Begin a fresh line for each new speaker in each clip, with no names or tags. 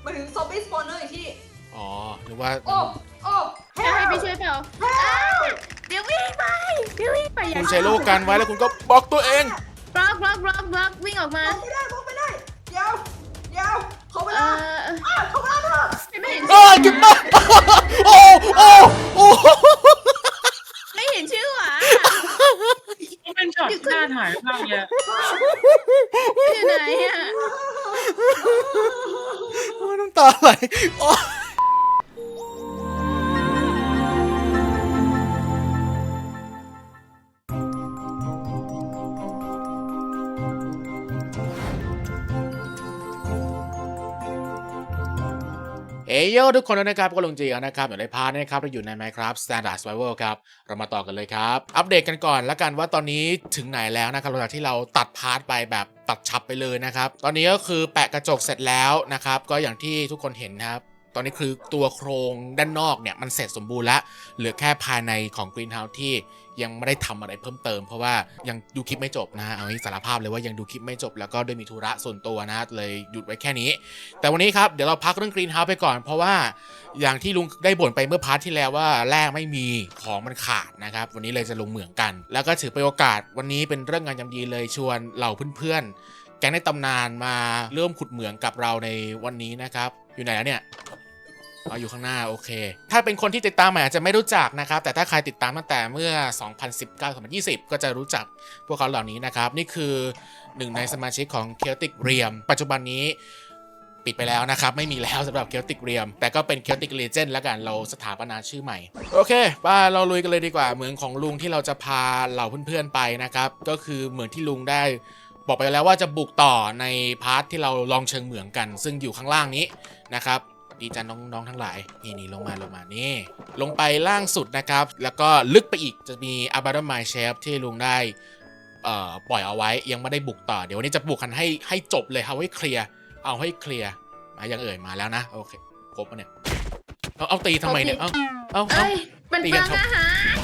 มาถึงซอมบี้สปอนเนอร์อีกที่
อ๋อหรือว่า
โอ้โอ้
จะให้ไปช่วยเปล่าเดี๋ยววิ่งไปอย่า
คุณใช้โลกันไว้แล้วคุณก็บล็อกตัวเอง
บล็อกวิ่งออกมา
มองไม่ได้เดี๋ยวเขาไป
เอ
แล้ว
อ
เขาไปแล้วเถอะ
ไม่เห็น
เก็บมาโอ้โอ้โอ้
ไม่เห็นชื่อหวะ
มันเป็นช็อตที่น่าถ่ายมากเลย
อยู่ไหนอ่ะ
น้ำตาไหลโอ้เอ้ยทุกคนนะครับก็ลงจีกันนะครับอยู่ในพาร์ทนะครับเราอยู่ใน Minecraft Standard Survival ครับเรามาต่อกันเลยครับอัปเดตกันก่อนแล้วกันว่าตอนนี้ถึงไหนแล้วนะครับหลังจากที่เราตัดพาร์ทไปแบบตัดฉับไปเลยนะครับตอนนี้ก็คือแปะกระจกเสร็จแล้วนะครับก็อย่างที่ทุกคนเห็นนะครับตอนนี้คือตัวโครงด้านนอกเนี่ยมันเสร็จสมบูรณ์แล้วเหลือแค่ภายในของ Greenhouse ที่ยังไม่ได้ทำอะไรเพิ่มเติมเพราะว่ายังดูคลิปไม่จบนะฮะเอางี้สารภาพเลยว่ายังดูคลิปไม่จบแล้วก็ด้วยมีธุระส่วนตัวนะเลยหยุดไว้แค่นี้แต่วันนี้ครับเดี๋ยวเราพักเรื่อง Greenhouse ไปก่อนเพราะว่าอย่างที่ลุงได้บ่นไปเมื่อพาร์ทที่แล้วว่าแร่ไม่มีของมันขาดนะครับวันนี้เลยจะลงเหมืองกันแล้วก็ถือเป็นโอกาสวันนี้เป็นเรื่องงานยามดีเลยชวนเหล่าเพื่อนๆแก๊งในตำนานมาเริ่มขุดเหมืองกับเราในวันนี้นะครับอยู่ไหนแล้วเนี่ยอยู่ข้างหน้าโอเคถ้าเป็นคนที่ติดตามอาจจะไม่รู้จักนะครับแต่ถ้าใครติดตามตั้งแต่เมื่อ 2019-2020 ก็จะรู้จักพวกเขาเหล่านี้นะครับนี่คือหนึ่งในสมาชิกของ Celtic Realm ปัจจุบันนี้ปิดไปแล้วนะครับไม่มีแล้วสำหรับ Celtic Realm แต่ก็เป็น Celtic Legend แล้วกันเราสถาปนาชื่อใหม่โอเคป้าเราลุยกันเลยดีกว่าเหมืองของลุงที่เราจะพาเหล่าเพื่อนๆไปนะครับก็คือเหมืองที่ลุงได้บอกไปแล้วว่าจะบุกต่อในพาร์ทที่เราลองเชิงเหมืองกันซึ่งอยู่ข้างล่างนี้นะครับดีจันน้องๆทั้งหลายนี่ลงมานี่ลงไปล่างสุดนะครับแล้วก็ลึกไปอีกจะมี Abandoned Mine Shaft ที่ลุงได้ปล่อยเอาไว้ยังไม่ได้บุกต่อเดี๋ยววันนี้จะบุกกันให้จบเลยเอาให้เคลียร์มายังมาแล้วนะโอเคครบปะเนี่ยเอาตีทำไมเนี่ยเอา
เอ้ยเป็นเปลืองอาหาร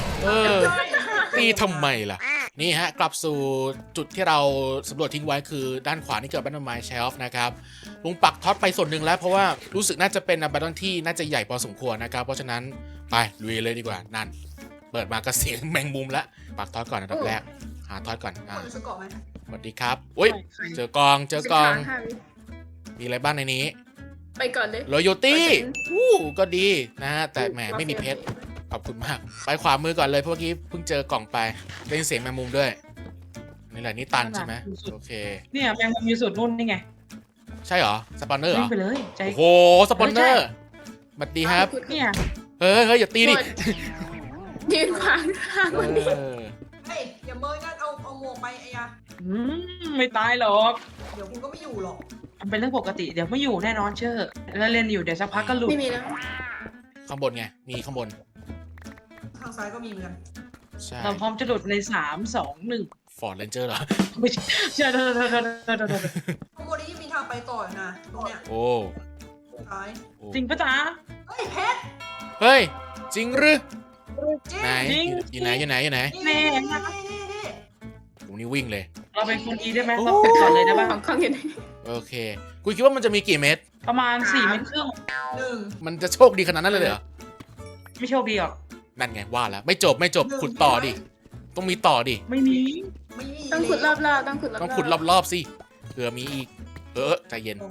ตีทำไมล่ะนี่ฮะกลับสู่จุดที่เราสำรวจทิ้งไว้คือด้านขวานี่เกิด Abandoned Mine Shelf นะครับลุงปักท็อตไปส่วนหนึ่งแล้วเพราะว่ารู้สึกน่าจะเป็น Abandoned ที่น่าจะใหญ่พอสมควรนะครับเพราะฉะนั้นไปลุยเลยดีกว่านั่นเปิดมาก็เสียงแมงมุมละปักท็อตก่อนอันดับแรกหาท็อตก่อน
สกอร์ไหม
สวัสดีครับอุ้ยเจอกองมีอะไรบ้างในนี้
ไปก่อนเลย
Loyalty ก็ดีนะฮะแต่แหมไม่มีเพชรขอบคุณมากไปขวามือก่อนเลยเพราะเมื่อกี้เพิ่งเจอกล่องไปได้ยินเสียงแมงมุมด้วยนี่แหละนี่ตันใช่ไหมโอเค
เนี่ยแมงมุมอยู่สุดนู่นนี่ไง
ใช่เหรอสปอนเนอร์เหรอ
ไปเลยใจ
โอ้โหสปอนเนอร์สวัสดีครับ
เนี่ย
เฮ้ยอย่าตีดิ
ยืนขวางทางวันนี้
เฮ้ยอย่าเมินกันเอาหมวกไปไอ้ยา
ไม่ตายหรอก
เดี๋ยวคุณก็ไม่อยู่หรอก
มันเป็นเรื่องปกติเดี๋ยวไม่อยู่แน่นอนเชื่อแล้วเล่นอยู่เดี๋ยวสักพักก็หลุด
ไม่มีแล้ว
ข้างบนไงมีข้างบน
ทางซ้ายก็มีเหมือนกัน
ใช่
เราพร้อมจะหลุดใน3 2 1
ฟอร์ดเรนเจอร์เหรอ
ไม่ใช่เชื่อ
ข้างบนนี้ยังมีทางไปต่ออยู่นะตรงเนี้ย
โอ้
ซ้าย
จริงปะจ๊ะ
เฮ้ยเพชร
เฮ้ยจริงหรือ
จริง
ไหน
จริง
อยู่ไหน
นี่
โอ้นี่วิ่งเลย
เราเป็นคนดีได้ไหมเราเป็นก่อนเลยได้ปะ
ของข้างอยู่ไหน
โอเคกูคิดว่ามันจะมีกี่เม็ด
ประมาณ4 เมตรครึ่ง
หนึ่ง
มันจะโชคดีขนาดนั้นเลยเหรอ
ไม่โชคดีหรอก
นั่นไงว่าแล้วไม่จบขุดต่อดิต้องมีต่อดิ
ไม่มี
ไม่มี
ต้องขุดรอบๆต้องขุดรอบๆ
ต้องขุดรอบๆสิเผื่อมีอีกใจเย็น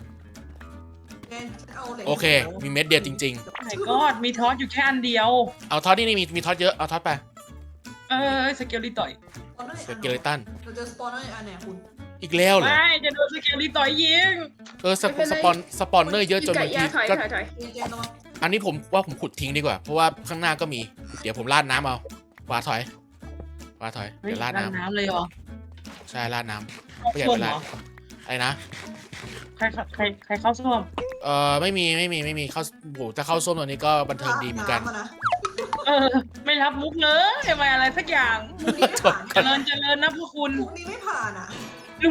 โอเค มีเม็ดเดียวจริง
ไหนก็มีทอสอยู่แค่อันเดียว
ๆ เอาท็อตนี่มีท็อตเยอะ เอาท็อตไป
สเกลลี่ต่อย
สเกเลตัน
เราเจอสปอนเนอร์อันเนี่ยคุณ
อีกแล้วเหรอ
ไม่จะโดนสเกลลี่ต่อยยิง
สปอนเนอร์เยอะจนบางที
ถอย
ก็
ถอย
เจนระวัง
อันนี้ผมว่าผมขุดทิ้งดีกว่า เพราะว่าข้างหน้าก็มี เดี๋ยวผมราดน้ำเอาวาถอย เดี๋ยวราดน้
น้ำเลยเหรอ
ำใช่ราดน้ำไม่อยากไปราดอะไรนะ
ใครเข้าส้วม
ไม่มีเข้าโหถ้าเข้าส้วมตอนนี้ก็บันเทิงดีเหมือนกัน
ไม่รับมุกเลยไม่อะไรสักอย่าง
มุกนี้ไม่ผ่าน
เจริญนะพวกคุณ
มุกนี้ไม่ผ่านอ่ะ
ลุง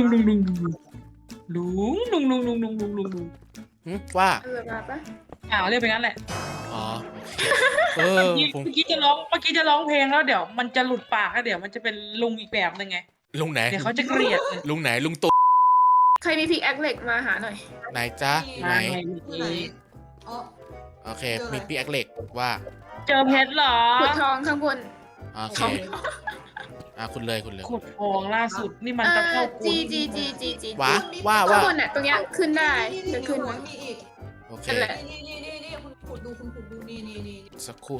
ว่า
เออมาปะ
เรียกไปงั้นแหละ
อ๋อ
เมื่อกี้จะร้องเพลงแล้วเดี๋ยวมันจะหลุดปากแล้วเดี๋ยวมันจะเป็นลุงอีกแบบนึงไง
ลุงไหน
เดี๋ยวเขาจะเกลียด
ลุงไหนลุงตู่
ใครมีพิกแอคเหล็กมาหาหน่อย
ไหนจ๊ะอยู่ไหน
อยู่ไหนอ๋อ
โอเค มีปีแอคเหล็กว่า
เจอเพชรเหรอ
ขุดทองข้างบน
โอเคคุณเลย
ขุดทองล่าสุดนี่มันจะเข้ากู
จี
ว้า
ข้างบนน่ะตรงเนี้ยขึ้นได้จะขึ้น
ไหม
นะ
มีอีก
โอเค
นั่นแหละ
นี่คุณขุดดูนี่
สักครู่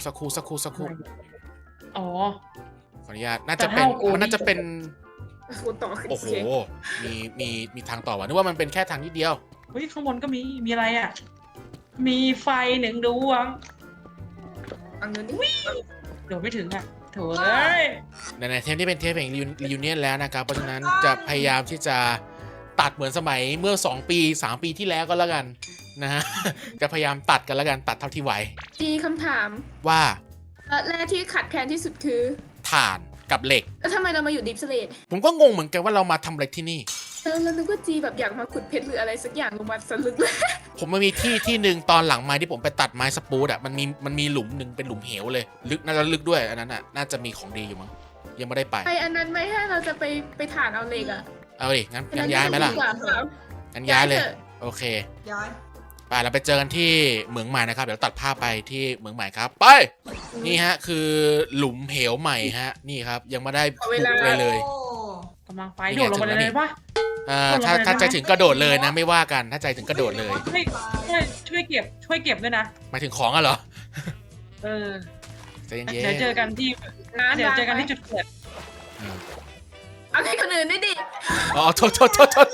อ๋อ
ขออนุญาตน่าจะเป็น
จะเท่ากู
มันน่าจะเป็น
ขุดต่อขึ้น
โอ้โห
เสียง
มีทางต่อว่ะนึกว่ามันเป็นแค่ทางนิดเดียว
เฮ้ยข้างบนก็มีอะไรอ่ะ มีไฟหนึ่งดวง
อังนู้นดิ
เดี๋ยวไม่ถึงอ่ะโถ่เอ้ย
ในเทปนี้เป็นเทปแห่งรีวิเนียนแล้วนะครับ เพราะฉะนั้นจะพยายามที่จะตัดเหมือนสมัยเมื่อ 2 ปี 3 ปีที่แล้วก็แล้วกันนะฮ ะ จะพยายามตัดกันแล้วกันตัดเท่าที่ไหว
จีคำถาม
ว่า
แรกที่ขัดแคลนที่สุดคือ
ถ่านกับเหล็ก
แล้วทำไมเรามาอยู่ดิฟสเลด
ผมก็งงเหมือนกันว่าเรามาทำอะไรที่นี่
เรานึกว่าจีแบบอยากมาขุดเพชรหรืออะไรสักอย่างลงมาสลึกเลย
ผมมันมีที่หนึ่งตอนหลังไม้ที่ผมไปตัดไม้สปูดอ่ะมันมีหลุมหนึ่งเป็นหลุมเหวเลยลึกน่าจะลึกด้วยอันนั้นอ่ะน่าจะมีของดีอยู่มั้งยังไม่ได้ไป
ไออันนั้นไม่ให้เราจะไปถ่านเอาเหล็กอ่ะ
เอาดิงั้นย้ายไหมล่ะ
อันนั้นจดีกว่า
งั้นย้ายเลย
ถอะ
โอเค
ย้าย
ไปเราไปเจอกันที่เหมืองใหม่นะครับเดี๋ยวตัดภาพไปที่เหมืองใหม่ครับไปนี่ฮะคือหลุมเหวใหม่ฮะนี่ครับยังไม่ได้ปลูกเลย
โอ้
กำลังไปโดดลงไปเลยปะ
ถ้าใจถึงกระโดดเลยนะไม่ว่ากันถ้าใจถึงกระโดดเลย
ช่วยเก็บด้วยนะ
หมายถึงของอะเหรอ
เออ
ใจเย็น
เดี๋ยวเจอกันที่
น้ำ
เดี๋ยวเจอกัน
วางไว้
ที่จุดเกิด
อืม
เอาให้คนอื่นด้วยดิ
อ๋อโทษ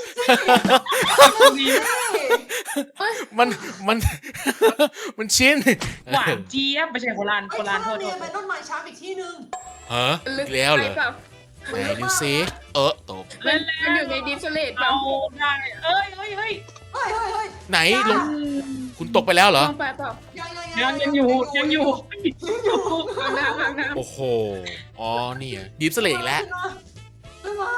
มัน มันชิ้น
หวานเจี๊ยบไม่ใช่โบราณ
ไอ้
โบราณ
ข้าง
โทษ
เนี่ยเป็นต้นไม้ช้างอีกที่หนึ่ง
ฮะ
ลึก
แล้วเหรอ
ไปปล่า
ไหนดูซิตก
มันอยู่ในดิฟสเลดเปล่า
เอาได้เอ้ย
เฮ้ย
ไหนลงคุณตกไปแล้วเหรอ
ลงไปเปล่า
ยังอยู่
วางน้ำ
โอ้โหอ๋อนี่อะดิฟสเลกแล้ว
ขึ้นมา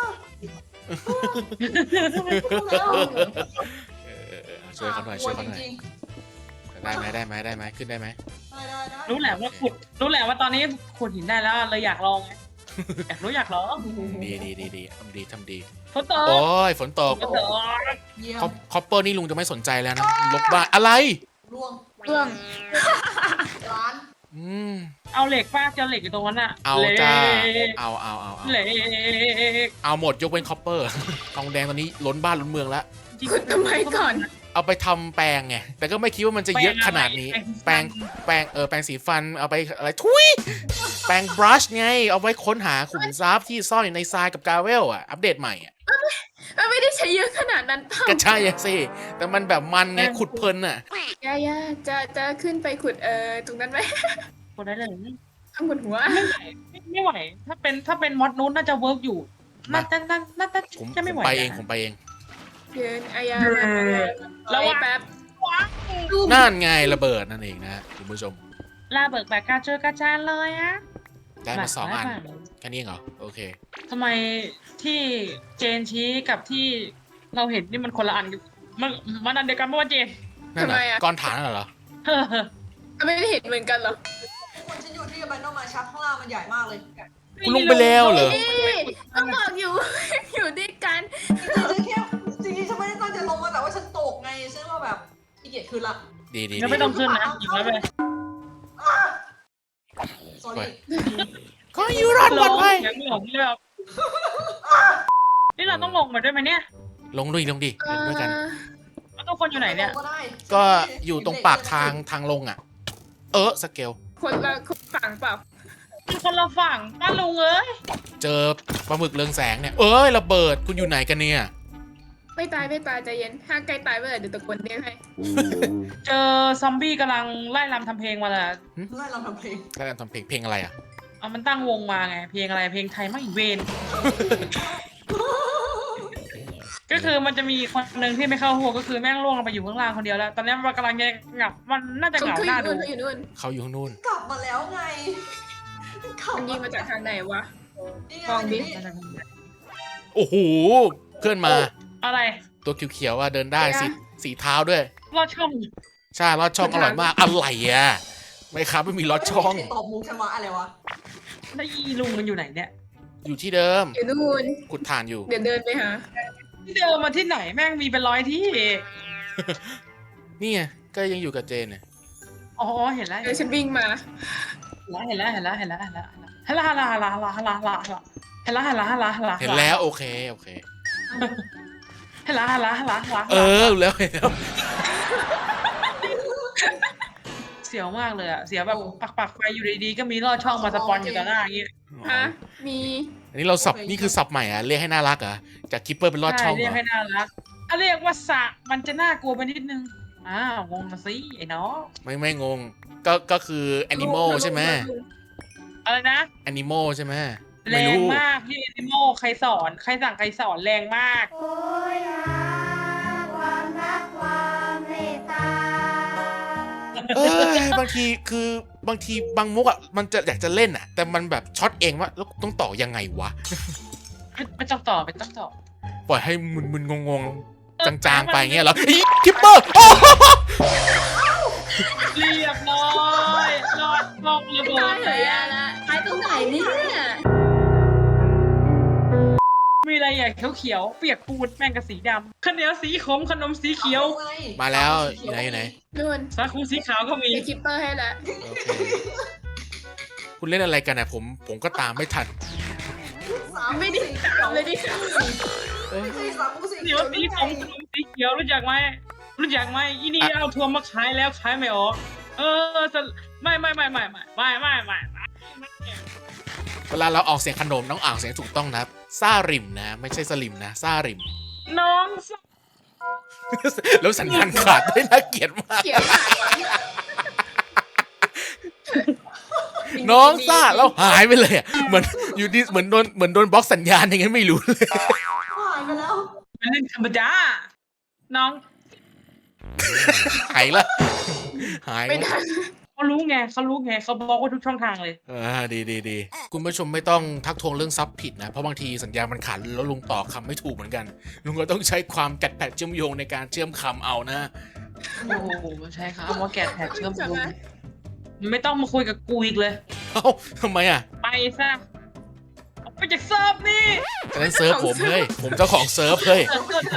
ช่วยเขาหน่อยช่วยเขาหน่อย
จริง
ได้ไหมขึ้นได้ไหม
ๆได้
รู้แหละว่าขุดรู้แหละว่าตอนนี้ขุดหินได้แล้วเลยอยากลองไงอยากลอง
ดีทำดี
ทดสอบ
โอ้ยฝนตก
ทดสอบ
เยี่ยม
คอปเปอร์นี่ลุงจะไม่สนใจแล้วนะลบบ้านอะไร
ล่วง
เรื่อง
ร้าน
อืม
เอาเหล็กป้าเจอเหล็กอยู่ตรงนั้นอะ
เอาจ้า
เหล็ก
เอา
เหล็ก
เอาหมดยกเว้นคอปเปอร์ ทองแดงตอนนี้ล้นบ้านล้นเมืองแล้ว
ขุดทำไมก่อน
เอาไปทำแปรงไงแต่ก็ไม่คิดว่ามันจะเยอะขนาดนี้ แปรงสีฟันเอาไปอะไรทุยแปรงบรัชไงเอาไว้ค้นหาขุมทรัพย์ที่ซ่อนอยู่ในทรายกับกาเวลอ่ะอัปเดตใหม่อ่ะ
ไม่ได้ใช้เยอะขนาดนั้นเปล่า
ก็ใช่อะสิแต่มันแบบมันไงขุดเพลินอ่ะ
ย่าจะขึ้นไปขุดตรงนั้นไหม
ขุดได้เลย
ข้างบนหัว
ไม่ไหวถ้าเป็นมอดนู้นน่าจะเวิร์กอยู่น่าจะ
ผม
จะไม่ไหว
ไปเองผมไปเอง
เดินอายา
ระวัง
แป๊บ
นั่นไงระเบิดนั่นเองนะคุณผู้ชม
ลาเบิกแบบกาเจอกาจานเลยอะ
ได้มา2 อันแค่นี้เองเหรอโอเค
ทำไมที่เจนชี้กับที่เราเห็นนี่มันคนละอันกันมันอันเดียวกันเมื่อวันเจน
นั่นเหรอก้อนฐานนั่นเหรอ
ไม่ได้เห็นเหมือนกันเหรอ
คนฉันอยู่ที่บันโนมาชักข้างล่างมันใหญ่มากเลย
คุณลงไปแล้วเหรอ
นี่ต้องบอกอยู่ อยู่ด้วยกัน
จริงๆฉันไม่ได้ตั้งใจลงมาแต่ว่าฉันตกไงฉันว่าแบบขี้เกียจขึ้นละ
ดี
ยังไม่ต้องขึ้นนะอยู่แล้วไป
sorry
ก็อยู่รอดปลอดภัย
ยังหลงเลยแบบนี่เราต้องลงมาด้วยไหมเนี่ย
ลงด้วยกัน
แล้วทุกคนอยู่ไหนเนี่ย
ก็อยู่ตรงปากทางลงอ่ะสเกล
คนละฝั่งเปล่า
คนละฝั่งป้าลุงเอ้ย
เจอปลาหมึกเรืองแสงเนี่ยระเบิดคุณอยู่ไหนกันเนี่ย
ไม่ตายใจเย็นถ้าใกล้ตายเมื่อไหร่เดี๋ยวตะโกนเรียกให้
เจอซอมบี้กำลังไล่รำทำเพลงมาละ
ไล่เราทำเพลง
แล้วกันทำเพลงอะไรอ่ะ
เอามันตั้งวงมาไงเพลงอะไรเพลงไทยไม่เวนก็คือมันจะมีคนหนึ่งที่ไม่เข้าหัวก็คือแม่งล่วงลงไปอยู่ข้างล่างคนเดียวแล้ว ตอนนี้มันกำลังเหงามันน่าจะเหงาหน้าดู
อยู่นู่น
เขาอยู่ข้างนู่น
กลับมาแล้วไงกลับ
มันยิงมาจากทางไหนวะ
นี่
มองดิ
ไง
โอ้โหเพื่อนมา
อะไร
ตัวเขียวๆเดินได้สีเท้าด้วย
ลอดช่อง
ใช่ลอดช่องอร่อยมากอะไรอ่ะไม่ครับไม่มีลอดช่อง
ตอบมุกฉันว่าอะไรวะ
แล้วอีลุงมันอยู่ไหนเนี่ย
อยู่ที่เดิม
อยู่นู่น
ขุดถ่านอยู่
เดี๋ยวเดินไปหา
ที่เดิมมาที่ไหนแม่งมีเป็นร้อยที่
นี่ไงก็ยังอยู่กับเจนเนี่ย
อ๋อเห็นแล้ว
เดี๋ยวฉันวิ่งมา
เห็นแล้วเห็นแล้ว
โอเคแล้ว
เสียวมากเลยอะเสียวแบบปักไฟอยู่ดีๆก็มีลอดช่องมาสปอนอยู่ต่อหน้าอย่างงี้
ฮะ มี
อันนี้เราสับนี่คือสับใหม่เรียกให้น่ารักจากคิปเปอร์เป็นลอดช่อง
เรียกให้น่ารักเรียกว่าสะมันจะน่ากลัวไปนิดนึงงงนะสิไอ้น้อง
ไม่งงก็คือแอนิมอลใช่ไหม
อะไรนะ
แอนิมอลใช่ไหม
แรงมากพี่แอนิโมใครสอนใครสั่งใครสอนแรงมาก
โอ้ยหาความรักความเมตตา
บางทีบางมุกมันจะอยากจะเล่นแต่มันแบบช็อตเองว่าแล้วต้องต่อยังไงวะ
ไม่ต้องต่อ
ปล่อยให้มึนงงจางๆไปเงี้ยเหรอคิปเปอร์
เรียบร้อยรอดมองระเบิ
ตาย
ด
เหรอยาละตายตรงไหนเนี่ย
มีอะไรอย่างเขียวๆเปียกปูนแม่งกับสีดำข้าวเหนียวสีขมขนมสีเขียว
มาแล้วอยู่ไหน
นู่น
สาคูสีขาวก็มี
เดี๋ยวคิปเปอร์ให้ละ
โอเคคุณเล่นอะไรกันผมก็ตามไม่ทัน
ไม่ได้ตามเลยดิ
ไม่ใช่สามกูสิ
เหนียวสีขมขนมสีเขียวรู้จักไหมอีนี่เอาทัวร์มาขายแล้วขายไม่ออกไม่
เวลาเราออกเสียงขนมต้องอ่านเสียงถูกต้องนะซ่าริมนะไม่ใช่สลิมนะซ่าริม
น้อง
แล้วสัญญาณขาดได้น่าเกลียดมาก
เขียวหาย
น้องซ่าแล้วหายไปเลยเหมือนอยู่ดีเหมือนโดนบล็อกสัญญาณอย่างนั้นไม่รู้เลย
หายไปแล้ว
เป็นเรื่องธรรมดาน้อง
หายละหาย
ไม่ทัน
เขารู้ไงเขาบล็อกไว้ทุกช่องทางเลย
ดีคุณผู้ชมไม่ต้องทักทวงเรื่องซับผิดนะเพราะบางทีสัญญาณมันขาดแล้วลุงต่อคำไม่ถูกเหมือนกันลุงก็ต้องใช้ความกัดแผดเชื่อมโยงในการเชื่อมคำเอานะ
โอ้โหใช่ครับว่าแกะแถบเชื่อมโยงไม่ต้องมาคุยกับกูอีกเลย
เอ้าทำไม
ไปซะออกไปจากเซิร์ฟนี่
อันนั้นเซิร์ฟผมเฮ้ยผมเจ้าของเซิร์ฟเฮ้ย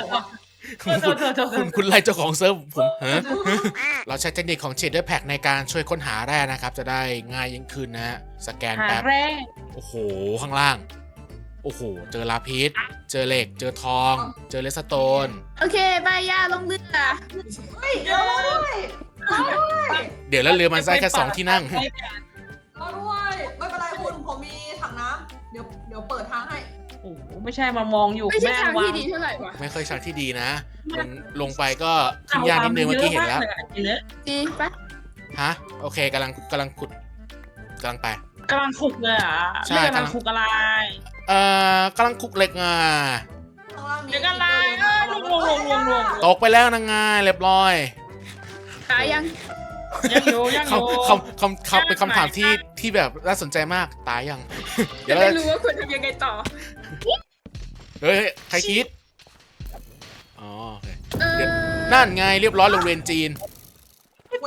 คุณไล่เจ้าของเซิร์ฟผมเราใช้เทคนิคของ Shader Pack ในการช่วยค้นหาแร่นะครับจะได้ง่ายยิ่งขึ้นนะฮะสแกน
หา
แป๊บ
แร่
โอ้โหข้างล่างโอ้โหเจอลาพิษเจอเหล็กเจอทอง เจอเลสโตน
โอเคบายยาลงเรือ
เฮ้ยรอด้วย
เดี๋ยวแล้วเรือมันได้แค่2ที่นั่ง
รอด้วยไม่เป็นไรคุณผมมีถังน้ำเดี๋ยวเปิดทางให้
โอ้โหไม่ใช่มามองอยู่
ไม่ใช่
แม่
ทาง
วา
ที่
ง
ดีเท่าไหร่วะ
ไม่ค่อยชักที่ดีนะลงไปก็ขึ้นยากนิดนึงเมื่อกี้เห็นแล้ว
ดีปะ
ฮะโอเคกำลังขุดกำลังไป
กำลังขุกเลยอ่ะ
ใช่
ไม่กำลังขุกอะไร
กำลังขุดเหล็กงา
ข้างล่างมี
เดี๋ยวกันอะไรลวง
ตกไปแล้วนางงาเรียบร้อย
ตายยัง
ยังอยู่
คำเป็นคำถามที่แบบน่าสนใจมากตายยัง เดี๋
จะ
ยว
ได้
เรา
รู้ว่าควรทำยังไงต่อ
เฮ้ยใครคิดอ๋อโอเค
เออ
นั่นไงเรียบร้อยโรงเรียนจีน
เวน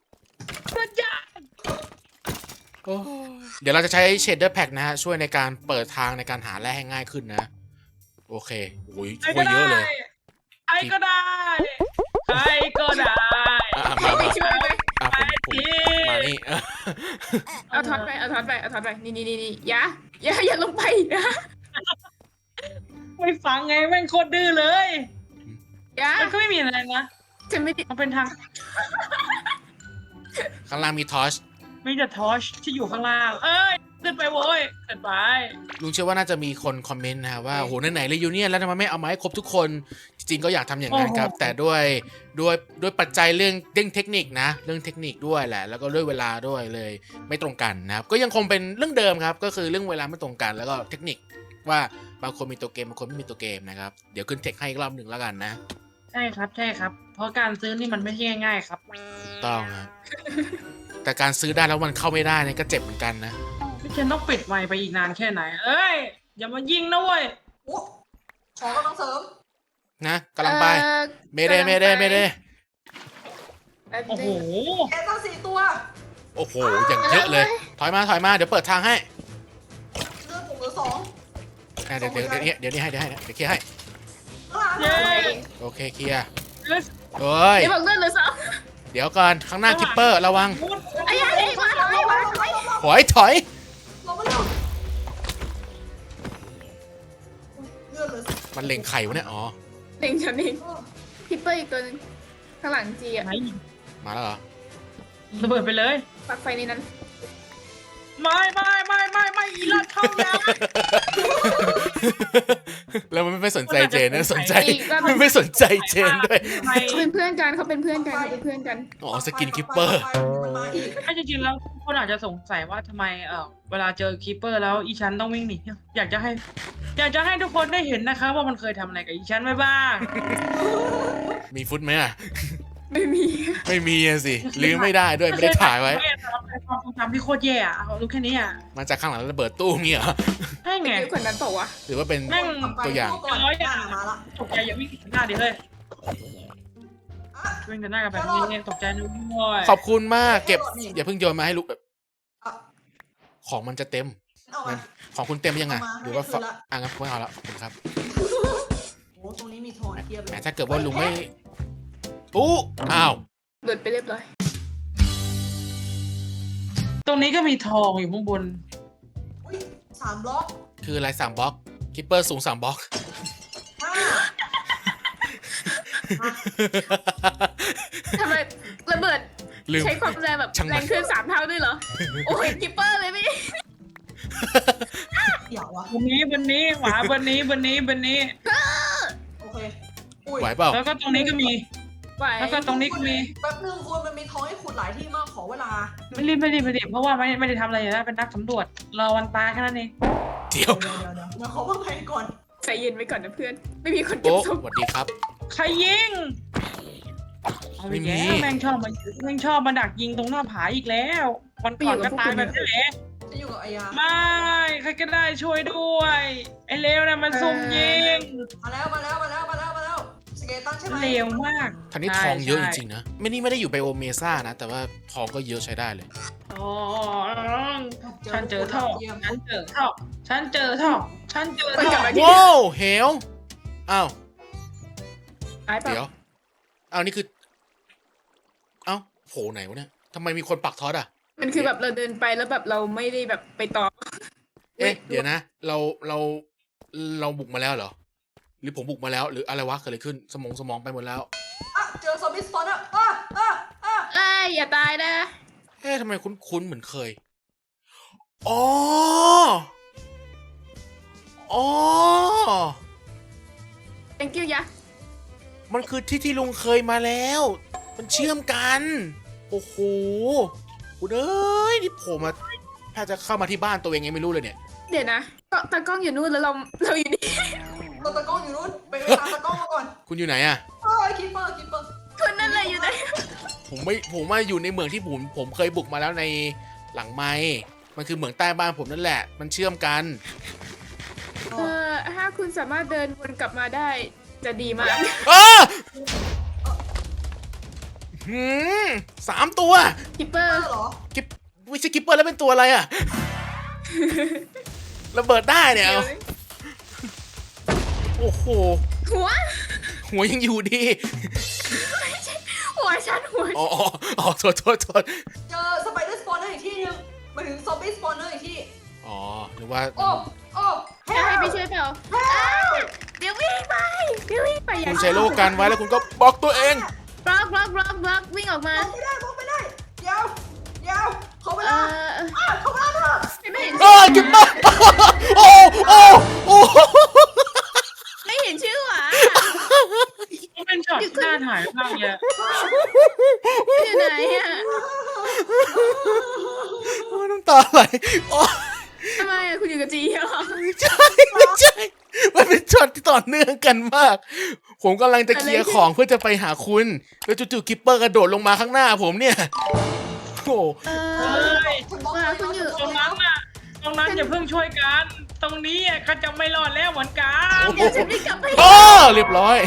เดี๋ยวเราจะใช้ Shader Pack นะฮะช่วยในการเปิดทางในการหาแร่ให้ง่ายขึ้นนะ โอเคโอ้ยช่วยเยอะเลย
ใครก็ได้ใครก็ได้
ให้ไปช่วยไหม
ผมมานี่
เอาท็อตไปเอาท็อตไปนี่อย่าลงไปนะ
ไม่ฟังไงแม่งโคตรดื้อเลย
อย่า
มันก็ไม่มีอะไรนะ
ฉันไม่ได้
มันเป็นทาง
ข้างล่างมีทอช
มีแต่ทอชที่อยู่ข้างล่างเอ้ยขึ้นไปโว้ยขึ้นไป
ลุงเชื่อว่าน่าจะมีคนคอมเมนต์นะฮะว่าโหไหนๆเลยยูเนียนแล้วทำไมไม่เอามาให้ครบทุกคนจริงๆก็อยากทำอย่างนั้นครับ แต่ด้วยปัจจัยเรื่องเทคนิคนะเรื่องเทคนิคด้วยแหละแล้วก็ด้วยเวลาด้วยเลยไม่ตรงกันนะครับก็ยังคงเป็นเรื่องเดิมครับก็คือเรื่องเวลาไม่ตรงกันแล้วก็เทคนิคว่าบางคนมีตัวเกมบางคนไม่มีตัวเกมนะครับเดี๋ยวขึ้นเทคให้อีกรอบหนึ่งแล้วกันนะ
ใช่ครับเพราะการซื้อนี่มันไม่ใช่ง่ายๆครับ
ถูกต้องครับแต่การซื้อได้แล้วมันเข้าไม่ได้เนี่ยก็เจ็บเหมือนกันนะ
พี่เคนต้องปิดไมค์ไปอีกนานแค่ไหนเอ้ยอย่ามายิงนะเว้ย
โอ้ขอกำลังเสริม
นะกำลังไปเมเด
โอ้โห
แกตั้ง4 ตัว
โอ้โหอย่างเยอะเลยถอยมาเดี๋ยวเปิดทางให้
เลือดผมเหลือ2
เดี๋ยวนี้ให้เดี๋ยวเคลียร์ให้
เย้
โอเคเคลียร์
เลือด
เฮ้ย
เดี๋ยวบอกเลื่อนเลยสอง
เดี๋ยวก่อนข้างหน้าคิปเปอร์ระวัง
ไอ้ยัยมาถอยมา
ถอยถอย
ลงมาเร็วเลือดเลย
มันเล็งไข่วะเนี่ยอ๋อ
เด็งฉันเองพิปเปอร์อีกตัวนึงข้างหลังจีอะ
ไหน
มาแล้วเหรอ
ระเบิดไปเลย
ปลักไฟในนั้น
ไม่อีลอดเข้านะ
แล้วมันไม่สนใจเจนนะสนใจมันไม่สนใจเจนด้วย
ไม่
เขาเป็นเพื่อนกันเขาเป็นเพื่อนกันเขาเป็นเพื่อนกัน
อ๋อสกินคิปเปอร์
มันมาอีก
ถ้าจริงๆแล้วคนอาจจะสงสัยว่าทำไมเวลาเจอคีเปอร์แล้วอีฉันต้องวิ่งหนีอยากจะให้ทุกคนได้เห็นนะคะว่ามันเคยทำอะไรกับอีฉันไว้บ้าง
มีฟุตไหมอ่ะ
ไม่มี
ไม่มีอะสิลืมไม่ได้ด้วยไม่ได้ถ่ายไว้
ความทรงจำที่โคตรแย่อะเอารู้แค่นี้อ่ะ
มาจากข้างหลังระเบิดตู้เงี้ยเหรอ
ใช่ไง
เยอะกว่านั้นเปล่าวะ
หรือว่าเป็น
แม่ง
ตัวอย่าง
ก่อนหน้ามาละ
ตกใจอย่าวิ่งหน้าดิเลย
อ่ะ
วิ่งแต่หน้ากับแบบนี้ตกใจนึกว่า
ขอบคุณมากเก็บอย่าเพิ่งโยนมาให้ลูกแบบของมันจะเต็ม
เอามา
ของคุณเต็มยังไง
เอามา
หรือว่า
ให้คืนละ
งั้นไม่เอาละขอบคุณครับ
โอ้ตรงนี้มีทองเทียบเล
แต่
ย
ถ้าเกิดว่าลุงไม่อู้อ้าว
หลุดไปเรียบร้อย
ตรงนี้ก็มีทองอยู่ข้างบน
อุ้ย3 บล็อก
คืออะไร3 บล็อกคิปเปอร์สูง3 บล็อก
5
ทำไมระเบิด
ลืม
ใช้ความแรงแบบ
ช่างมัน
แรงขึ้น3 เท่าด้วยเหรอ โอ้ยคิปเปอร์เลยพี่
เดี๋ยววะ
บนนี้ขวาบนนี้
โอเคอุ้ย
ไหวเปล่า
แล้วก็ตรงนี้ก็มี
ไหว
แล้วก็ตรงนี้ก็มี
แป๊บนึงคุณมันมีทองให้ขุดหลายที่มากขอเวลา
ไม่รีบเพราะว่าไม่ได้ทำอะไรอยู่แล้วเป็นนักสำรวจรอวันตายแค่นั้นเอง
เดี๋ยว
เดี๋ยวมาขอว่าไงก่อน
ใจเย็นไว้ก่อนนะเพื่อน ไม่มีคนเก็บ
โอ้
ศพ
สวัสดีครับ
ใครยิงเอาอีกแล้วแม่งชอบมาดักยิงตรงหน้าผาอีกแล้ว วันก่อนก็ตายแบบนี้แหละ
จะอยู่กับอายา
ไม่ใครก็ได้ช่วยด้วยไอ้เลวนะมันซุ่มยิง
มาแล้วสเกตันใช่ไหม
เลวมาก
ทันนี้ทองเยอะจริงๆนะไม่ได้อยู่ไบโอเมซ่านะ แต่ว่าทองก็เยอะใช้ได้เลย
ๆอ๋อฉันเจอท่อฉันเจอท่อ
ว้าวเหวอ้าว
หายไป
เดี๋ยวอ้าวนี่คือเอ้าโผล่ไหนวะเนี่ยทำไมมีคนปักท็อตอ่ะ
มันคือแบบเราเดินไปแล้วแบบเราไม่ได้แบบไปต่อ
เอ๊ะเดี๋ยวนะเราบุกมาแล้วเหรอหรือผมบุกมาแล้วหรืออะไรวะเกิดอะไรขึ้นสมองไปหมดแล้ว
อ่ะเจอซอมบี้สปอนเนอร์
เอ้ยอย่าตายนะ
เอ๊ะทำไมคุ้นเหมือนเคยอ๋อ
thank you ยะ
มันคือที่ลุงเคยมาแล้ว มันเชื่อมกัน โอ้โหคุณเอ้ยนี่โผล่มาถ้าจะเข้ามาที่บ้านตัวเองยังไม่รู้เลยเนี่ย
เดี๋ยวนะก็ตากล้องอยู่นู่นแล้วเราอยู่นี่
ตัวตะกล้องอยู่นู้นไปตามตะกล้องมาก่อน
คุณอยู่ไหนอะ
คิปเปอร์
คุณนั่นแหละอยู่ไหน
ผมมาอยู่ในเมืองที่ผมเคยบุกมาแล้วในหลังไม้มันคือเหมืองใต้บ้านผมนั่นแหละ มันเชื่อมกัน
ถ้าคุณสามารถเดินวนกลับมาได้จะดีมาก
3 ตัว
คิปเปอร์
เหรอ
กิปไม่ใช่กิปเปอร์แล้วเป็นตัวอะไรอะ ระเบิดได้เนี่ยเอาโอ้โห หัวยังอยู่ดี
หัวฉัน
อ๋อโทษ
เจอสไปเดอร์สปอนเนอร์อีกที่นึงมาถึงซอมบี้สปอนเนอร์อีกที่
อ๋อหรือว่า
โอ้
จะให้ไปช่วยเปล่าเดี๋ยววิ่งไปอย่า
คุณใช้โลกันไว้แล้วคุณก็บล็อกตัวเอง
บล็อกวิ่งออกมา
มองไม่ได้ยาวเขาเวลาเขาเวลาเถอะ
ไม่เห็น
กิปเปอร์โอ้
ไม่เห็นชื่อหวะ
มันเป็นช็อตที่น่าถ่ายมากเลย
อยู่ไหนอะ
น้ำตาไหลอ๋อ
ทำไมอะคุณอยู่กับจีเหรอ
ไม่ใช่มันเป็นช็อตที่ต่อเนื่องกันมาก ผมกำลังจะเคลียร์ของเพื่อจะไปหาคุณแล้วจู่ๆกิปเปอร์กระโดดลงมาข้างหน้าผมเนี่ยโอ้
ฉันบอกเลย
คุณอยู่
ตรงนั้นอย่าเพิ่งช่วยกัน ตรงนี้ก็จะไม่รอดแล้วเหมือนกัน
เดี๋ยวฉันไม่กลับไป
เรียบร้อย